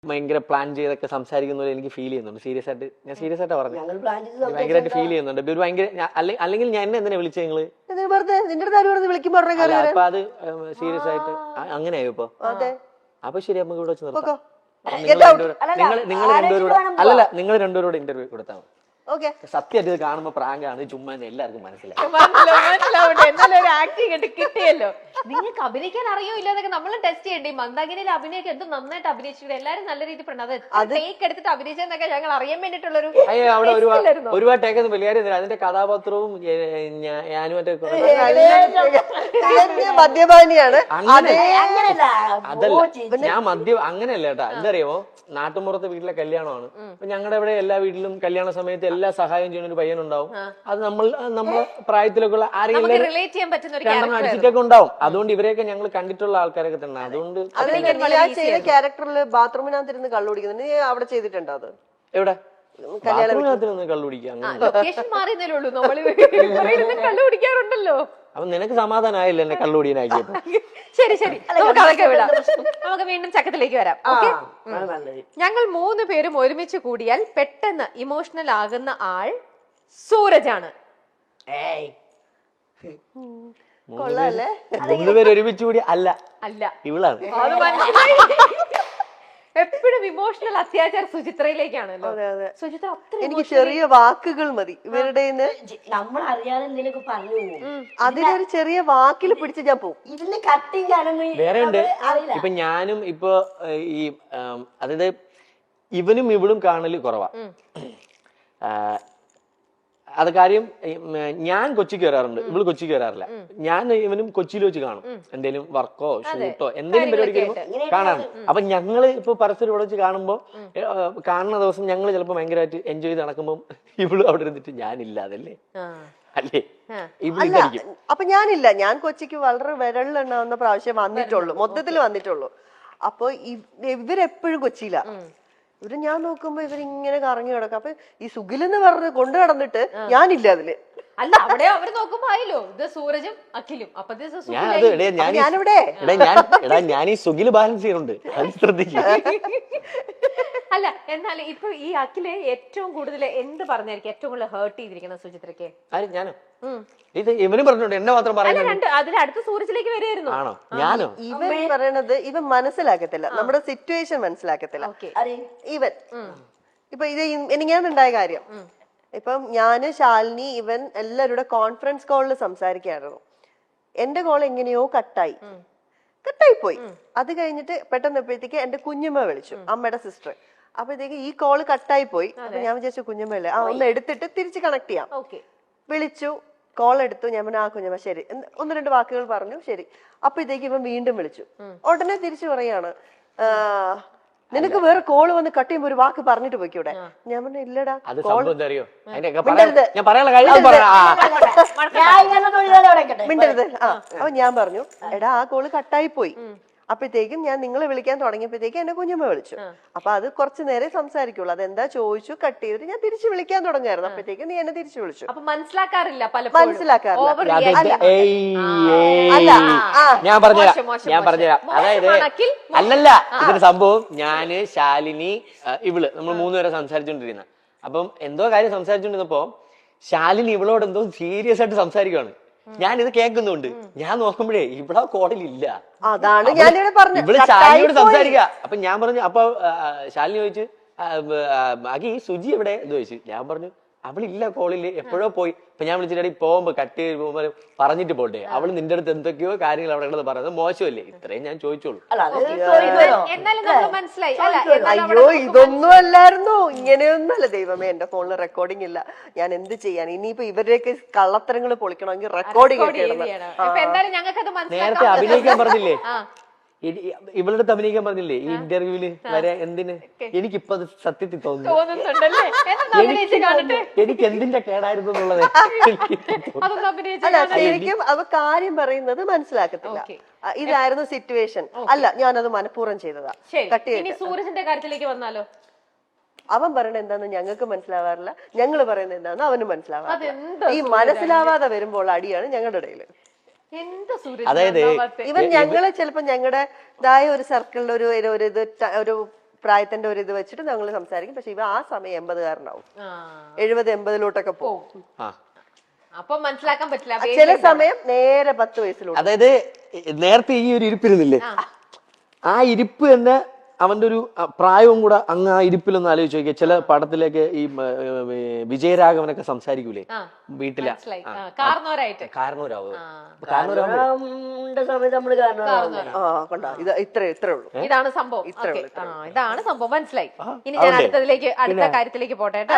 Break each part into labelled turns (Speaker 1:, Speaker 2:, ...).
Speaker 1: ഭയങ്കര പ്ലാൻ ചെയ്തൊക്കെ സംസാരിക്കുന്ന പോലെ എനിക്ക് ഫീൽ ചെയ്യുന്നുണ്ട്. സീരിയസ് ആയിട്ട് പറഞ്ഞു, ഭയങ്കരമായിട്ട് ഫീൽ ചെയ്യുന്നുണ്ട്. ഒരു ഭയങ്കര അല്ലെങ്കിൽ ഞാൻ എന്നെ എന്തിനാ വിളിച്ചത് നിങ്ങള്? അപ്പൊ അത് സീരിയസ് ആയിട്ട് അങ്ങനെയായോ ഇപ്പൊ? അപ്പൊ ശരി, നമുക്ക് ഇവിടെ വെച്ച് നിർത്താം. നിങ്ങൾ രണ്ടുപേരോട് അല്ലല്ല, നിങ്ങൾ രണ്ടുപേരോട് ഇന്റർവ്യൂ കൊടുത്താൽ മതി. സത്യമായിട്ട് ഇത് കാണുമ്പോ പ്രാങ്കാണ്, ചുമ്മാ എല്ലാവർക്കും
Speaker 2: ആക്ടിങ് കിട്ടിയല്ലോ. നിങ്ങൾക്ക് അഭിനയിക്കാൻ അറിയോ ഇല്ലാതൊക്കെ നമ്മൾ ടെസ്റ്റ് ചെയ്യണ്ടേ? മന്ദാകിനിയിൽ അഭിനയൊക്കെ എന്ത് നന്നായിട്ട് അഭിനയിച്ചിട്ട് എല്ലാരും നല്ല രീതിയിൽ പറഞ്ഞത് ടേക്ക് എടുത്തിട്ട് അഭിനയിച്ചെന്നൊക്കെ ഞങ്ങൾ അറിയാൻ വേണ്ടിട്ടുള്ളൊരു
Speaker 1: അവിടെ ഒരുപാട് ടേക്ക് ഒന്നും വലിയ കാര്യം. അതിന്റെ കഥാപാത്രവും ഞാനും
Speaker 3: മദ്യപാനിയാണ്.
Speaker 1: അതല്ല, ഞാൻ അങ്ങനെയല്ല കേട്ടാ. എന്താ നാട്ടുമ്പുറത്തെ വീട്ടിലെ കല്യാണമാണ്. അപ്പൊ ഞങ്ങളുടെ ഇവിടെ എല്ലാ വീട്ടിലും കല്യാണ സമയത്ത് എല്ലാ സഹായം ചെയ്യുന്ന ഒരു പയ്യനുണ്ടാവും. അത് നമ്മളെ പ്രായത്തിലൊക്കെ ഉള്ള ആരെങ്കിലും അടിച്ചിട്ടൊക്കെ ഉണ്ടാവും. അതുകൊണ്ട് ഇവരെയൊക്കെ ഞങ്ങൾ കണ്ടിട്ടുള്ള ആൾക്കാരൊക്കെ തന്നെ. അതുകൊണ്ട്
Speaker 3: ക്യാരക്ടറിൽ ബാത്റൂമിനകത്തിരുന്ന് കള്ളു കുടിക്കുന്നത് നീ അവിടെ ചെയ്തിട്ടുണ്ടോ? അത്
Speaker 1: എവിടെ? ബാത്റൂമിനകത്തിരുന്ന് കള്ളു കുടിക്കാൻ
Speaker 2: കള്ളുകുടിക്കാറുണ്ടല്ലോ.
Speaker 1: അപ്പൊ നിനക്ക് സമാധാനമായില്ല എന്നെ കള്ളുകുടിയനാക്കിയപ്പോ?
Speaker 2: ശരി ശരി, നമുക്ക് അതൊക്കെ വിടാം. നമുക്ക് വീണ്ടും ചക്കത്തിലേക്ക് വരാം. ഞങ്ങൾ 3 പേരും ഒരുമിച്ച് കൂടിയാൽ പെട്ടെന്ന് ഇമോഷണൽ ആകുന്ന ആൾ സൂരജാണ്.
Speaker 1: 3 പേര് ഒരുമിച്ച് കൂടി അല്ല, ഇവളാണ്.
Speaker 2: എപ്പോഴും ഇമോഷണൽ അത്യാചാരം സുചിത്രയിലേക്കാണല്ലോ. സുചിത്ര
Speaker 3: എനിക്ക് ചെറിയ വാക്കുകൾ മതി ഇവരുടെ.
Speaker 4: നമ്മൾ അറിയാതെ എന്തെങ്കിലും പറഞ്ഞു
Speaker 3: അതിലൊരു ചെറിയ വാക്കിൽ പിടിച്ച് ഞാൻ പോകും.
Speaker 4: ഇതിന്റെ കട്ടിങ്
Speaker 1: വേറെ ഉണ്ട്. ഇപ്പൊ ഞാനും ഇപ്പൊ ഈ അതായത് ഇവനും ഇവളും കാണല് കുറവാ. അത് കാര്യം ഞാൻ കൊച്ചിക്ക് വരാറുണ്ട്, ഇവള് കൊച്ചിക്ക് വരാറില്ല. ഞാൻ ഇവനും കൊച്ചിയിൽ വെച്ച് കാണും. എന്തെങ്കിലും വർക്കോ ഷൂട്ടോ എന്തെങ്കിലും പരിപാടിക്ക് കാണാറുണ്ട്. അപ്പൊ ഞങ്ങള് ഇപ്പൊ പരസ്പരം ഇവിടെ വെച്ച് കാണുമ്പോ കാണുന്ന ദിവസം ഞങ്ങള് ചിലപ്പോ ഭയങ്കരമായിട്ട് എൻജോയ് ചെയ്ത് നടക്കുമ്പോ ഇവള് അവിടെ ഇരുന്നിട്ട് ഞാനില്ലാതല്ലേ അല്ലേ ഇവളിരിക്കും.
Speaker 3: അപ്പൊ ഞാനില്ല, ഞാൻ കൊച്ചിക്ക് വളരെ വിരളിലുണ്ടാവുന്ന പ്രാവശ്യം വന്നിട്ടുള്ളൂ, മൊത്തത്തിൽ വന്നിട്ടുള്ളൂ. അപ്പൊ ഇവരെപ്പോഴും കൊച്ചിയില. ഇവര് ഞാൻ നോക്കുമ്പോ ഇവരിങ്ങനെ കറങ്ങി കിടക്കും. അപ്പൊ ഈ സുഖിലെന്ന് പറഞ്ഞ് കൊണ്ടു നടന്നിട്ട് ഞാനില്ല അതില്.
Speaker 2: അല്ല, അവിടെ അവര് നോക്കുമ്പോ ആയില്ലോ ഇത് സൂരജും അഖിലും. അപ്പൊ
Speaker 3: ഞാനിവിടെ
Speaker 1: ഞാൻ ഈ സുഖില് ബാലൻസ് ചെയ്യുന്നുണ്ട്, അത് ശ്രദ്ധിക്കും.
Speaker 2: അല്ല, എന്നാലും ഇപ്പൊ ഈ അഖില് ഏറ്റവും കൂടുതൽ എന്ത് പറഞ്ഞായിരിക്കും ഏറ്റവും കൂടുതൽ ഹേർട്ട് ചെയ്തിരിക്കുന്ന സുചിത്രക്ക്?
Speaker 1: ഞാനോ? ഇത് ഇവനും പറഞ്ഞോണ്ട് എന്നെ മാത്രം പറയുന്നത്.
Speaker 2: അതിൽ അടുത്ത സൂരജിലേക്ക് വരികയായിരുന്നു.
Speaker 1: ആണോ? ഞാനോ?
Speaker 3: ഇവൻ പറയണത് ഇവൻ മനസ്സിലാക്കത്തില്ല, നമ്മുടെ സിറ്റുവേഷൻ മനസ്സിലാക്കത്തില്ല. ഇവൻ ഇപ്പൊ ഇത് എനിക്കാണുണ്ടായ കാര്യം. ഇപ്പം ഞാന്, ശാലിനി, ഇവൻ എല്ലാവരുടെ കോൺഫറൻസ് കോളിൽ സംസാരിക്കായിരുന്നു. എന്റെ കോൾ എങ്ങനെയോ കട്ടായി പോയി. അത് കഴിഞ്ഞിട്ട് പെട്ടെന്നപ്പോഴത്തേക്ക് എന്റെ കുഞ്ഞമ്മ വിളിച്ചു, അമ്മയുടെ സിസ്റ്റർ. അപ്പോഴത്തേക്ക് ഈ കോള് കട്ടായി പോയി. അപ്പൊ ഞാൻ വിചാരിച്ചു കുഞ്ഞമ്മല്ലേ, ഒന്ന് എടുത്തിട്ട് തിരിച്ച് കണക്ട് ചെയ്യാം. വിളിച്ചു, കോൾ എടുത്തു. ഞാൻ പറഞ്ഞു കുഞ്ഞമ്മ ശരി, 1-2 വാക്കുകൾ പറഞ്ഞു, ശരി. അപ്പോഴത്തേക്ക് ഇവൻ വീണ്ടും വിളിച്ചു. ഉടനെ തിരിച്ചു പറയാണ്, നിനക്ക് വേറെ കോള് വന്ന് കട്ട് ചെയ്യുമ്പോ ഒരു വാക്ക് പറഞ്ഞിട്ട് പോയിക്കൂടെ? ഞാൻ പറഞ്ഞു ഇല്ലടാ. മിണ്ടരുത്. അപ്പൊ ഞാൻ പറഞ്ഞു എടാ ആ കോള് കട്ടായി പോയി. അപ്പോഴത്തേക്കും ഞാൻ നിങ്ങളെ വിളിക്കാൻ തുടങ്ങിയപ്പോഴത്തേക്കും എന്നെ കുഞ്ഞമ്മ വിളിച്ചു. അപ്പൊ അത് കുറച്ചു നേരം സംസാരിക്കുള്ളൂ. അതെന്താ ചോദിച്ചു, കട്ട് ചെയ്തിട്ട് ഞാൻ തിരിച്ചു വിളിക്കാൻ തുടങ്ങായിരുന്നു. അപ്പോഴത്തേക്കും നീ എന്നെ തിരിച്ചു വിളിച്ചു.
Speaker 2: മനസ്സിലാക്കാറില്ല.
Speaker 1: ഞാൻ പറഞ്ഞുതരാം. അതായത് അല്ലല്ല, ഇതിന്റെ സംഭവം ഞാന്, ശാലിനി, ഇവള് നമ്മൾ 3 പേരെ സംസാരിച്ചോണ്ടിരുന്ന. അപ്പം എന്തോ കാര്യം സംസാരിച്ചോണ്ടിരുന്നപ്പോ ശാലിനി ഇവളോട് എന്തോ സീരിയസ് ആയിട്ട് സംസാരിക്കുകയാണ്. ഞാൻ ഇത് കേൾക്കുന്നുണ്ട്. ഞാൻ നോക്കുമ്പോഴേ ഇവിടെ കോളിലില്ല.
Speaker 3: അതാണ് ഞാനിവിടെ പറഞ്ഞു,
Speaker 1: ഇവള് ശാലിനിയോട് സംസാരിക്കുക. അപ്പൊ ഞാൻ പറഞ്ഞു, അപ്പൊ ശാലിനി ചോദിച്ചു അഖി സുജി എവിടെ എന്ന് ചോദിച്ചു. ഞാൻ പറഞ്ഞു അവളില്ല കോളില്, എപ്പോഴോ പോയി. അപ്പൊ ഞാൻ വിളിച്ചിട്ട് പോകുമ്പോ കട്ട് ചെയ്ത് പോകുമ്പോ പറഞ്ഞിട്ട് പോട്ടെ, അവള് നിന്റെ അടുത്ത് എന്തൊക്കെയോ കാര്യങ്ങൾ അവിടെ ഉള്ളത് പറയുന്നത് മോശമല്ലേ? ഇത്രയും ഞാൻ ചോദിച്ചോളൂ.
Speaker 3: അയ്യോ ഇതൊന്നും അല്ലായിരുന്നു, ഇങ്ങനെയൊന്നും അല്ല. ദൈവമേ, എന്റെ ഫോണിൽ റെക്കോർഡിംഗ് ഇല്ല, ഞാൻ എന്ത് ചെയ്യാൻ? ഇനിയിപ്പോ ഇവരുടെയൊക്കെ കള്ളത്തരങ്ങൾ പൊളിക്കണമെങ്കിൽ റെക്കോർഡിംഗ് ഒക്കെ
Speaker 1: നേരത്തെ അഭിനയിക്കാൻ പറഞ്ഞില്ലേ, ഇവളുടെ അടുത്ത് അഭിനയിക്കാൻ പറഞ്ഞില്ലേ ഈ ഇന്റർവ്യൂവില് വരെ? എന്തിന്? എനിക്കിപ്പോ അത് സത്യത്തിൽ തോന്നുന്നു എനിക്ക് എന്തിന്റെ കേടായിരുന്നു എന്നുള്ളത്.
Speaker 3: ശരിക്കും അവ കാര്യം പറയുന്നത് മനസ്സിലാക്കത്തില്ല. ഇതായിരുന്നു സിറ്റുവേഷൻ, അല്ല ഞാനത് മനഃപൂർവ്വം ചെയ്തതാ.
Speaker 2: സൂരജിന്റെ കാര്യത്തിലേക്ക് വന്നാലോ?
Speaker 3: അവൻ പറയുന്നത് എന്താന്ന് ഞങ്ങൾക്ക് മനസ്സിലാവാറില്ല, ഞങ്ങള് പറയുന്നത് എന്താന്ന് അവന് മനസ്സിലാവാറില്ല. ഈ മനസ്സിലാവാതെ വരുമ്പോൾ അടിയാണ് ഞങ്ങളുടെ ഇടയില്.
Speaker 1: അതായത്
Speaker 3: ഇവൻ ഞങ്ങള് ചിലപ്പോ ഞങ്ങളുടേതായ ഒരു സർക്കിളിൽ ഒരു പ്രായത്തിന്റെ ഒരു ഇത് വെച്ചിട്ട് ഞങ്ങൾ സംസാരിക്കും. പക്ഷെ ഇവ ആ സമയം 80-കാരനാവും,
Speaker 2: ആ.
Speaker 3: 70-80 പോകും.
Speaker 1: ആ
Speaker 2: അപ്പൊ മനസ്സിലാക്കാൻ പറ്റില്ല.
Speaker 3: ചില സമയം നേരെ 10 വയസ്സിലോട്ട്.
Speaker 1: അതായത് നേരത്തെ ഈ ഒരു ഇരിപ്പിരുന്നില്ലേ, ആ ഇരിപ്പ് തന്നെ അവന്റെ ഒരു പ്രായവും കൂടെ അങ്ങ് ആ ഇരിപ്പിലൊന്ന് ആലോചിച്ച് നോക്കിയാൽ ചില പടത്തിലേക്ക് ഈ വിജയരാഘവനൊക്കെ സംസാരിക്കൂലേ വീട്ടിലെ
Speaker 2: കാരണവരായിട്ട്.
Speaker 1: കാരണവരാവ്
Speaker 4: കാരണവരുടെ സമയത്ത് നമ്മള് കാരണം
Speaker 3: കണ്ടോ, ഇത് ഇത്രേ ഉള്ളൂ.
Speaker 2: ഇതാണ് സംഭവം. ഇതാണ് സംഭവം, മനസ്സിലായി. ഇനി ഞാൻ അടുത്ത കാര്യത്തിലേക്ക് പോട്ടെ കേട്ടോ.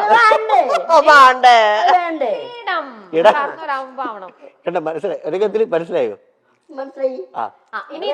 Speaker 4: വേണ്ടേ
Speaker 2: കാരണവരാകുമ്പോ ആവണം.
Speaker 1: മനസ്സിലായോ? മനസ്സിലായോ?
Speaker 4: മനസ്സിലായി.
Speaker 2: ഇനി